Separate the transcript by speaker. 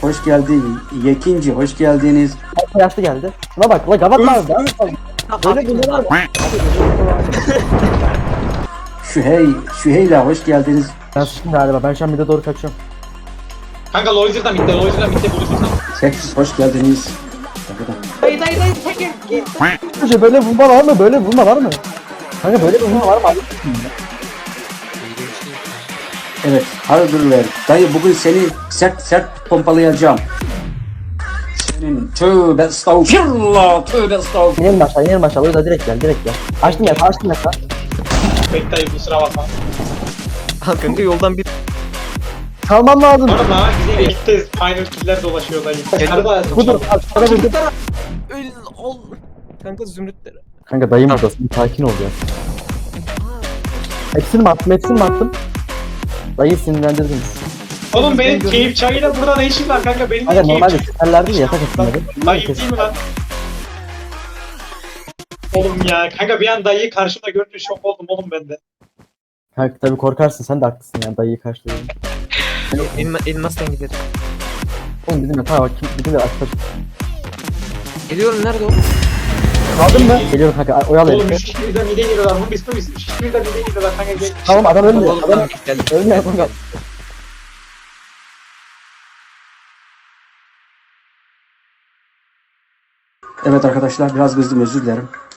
Speaker 1: hoş geldin. Yekinci hoş geldiniz.
Speaker 2: Yaşlı geldi. Şuna bak la gavat var. Böyle bunlar var.
Speaker 1: Şüheyla hoş geldiniz.
Speaker 2: Ben sıçtım galiba. Ben şu an bir de doğru kaçıyorum.
Speaker 3: Kanka Loizer'dan bitti buluşursan.
Speaker 1: Seksiz hoş geldiniz.
Speaker 3: Dayı çekin.
Speaker 2: Önce böyle vurma var mı? Böyle vurma var mı? Kanka böyle vurma var mı?
Speaker 1: Evet, hayırdır. Dayı bugün seni sert pompalayacağım. Senin tövbe estağfirullah, tövbe estağfirullah.
Speaker 2: İnelim aşağı. O yüzden direkt gel. Açtım ya.
Speaker 3: Pek dayı kusura bakma.
Speaker 4: Kanka yoldan bir
Speaker 2: Kalmam lazım.
Speaker 3: Oğlum lan bize gitti. Final killer dolaşıyor dayı. Arada
Speaker 2: Budur.
Speaker 4: öl ol. Kanka zümrütleri.
Speaker 2: Kanka dayım buradasın. Sakin ol ya. Hepsini mi attım? Dayı sinirlendirdim.
Speaker 3: Oğlum benim keyif çayıyla burada ne işim var kanka? Benim
Speaker 2: Kanka
Speaker 3: de keyif
Speaker 2: normalde
Speaker 3: çayı.
Speaker 2: süperler değil yatak etsinleri.
Speaker 3: Dayı değil mi lan? Oğlum ya kanka bir an dayıyı karşımda görünce şok oldum oğlum ben de.
Speaker 2: Kanka tabii korkarsın. Sen de haklısın yani dayıyı karşılayın.
Speaker 4: Elmas'tan giderim.
Speaker 2: Oğlum bizim yatağa bak. Bizim de aç.
Speaker 4: Geliyorum nerede o?
Speaker 2: Kaldın mı? Geliyorum kanka. Oyalı
Speaker 3: Oğlum
Speaker 2: herifi.
Speaker 3: 3 kişi birden mide giriyorlar. Bu biz 3 kişi birden mide giriyorlar kanka gel.
Speaker 2: Tamam adam ölmüyor.
Speaker 4: Oğlum,
Speaker 2: Adam
Speaker 4: geldim.
Speaker 2: ölmüyor kanka.
Speaker 1: Evet arkadaşlar biraz kızdım, özür dilerim.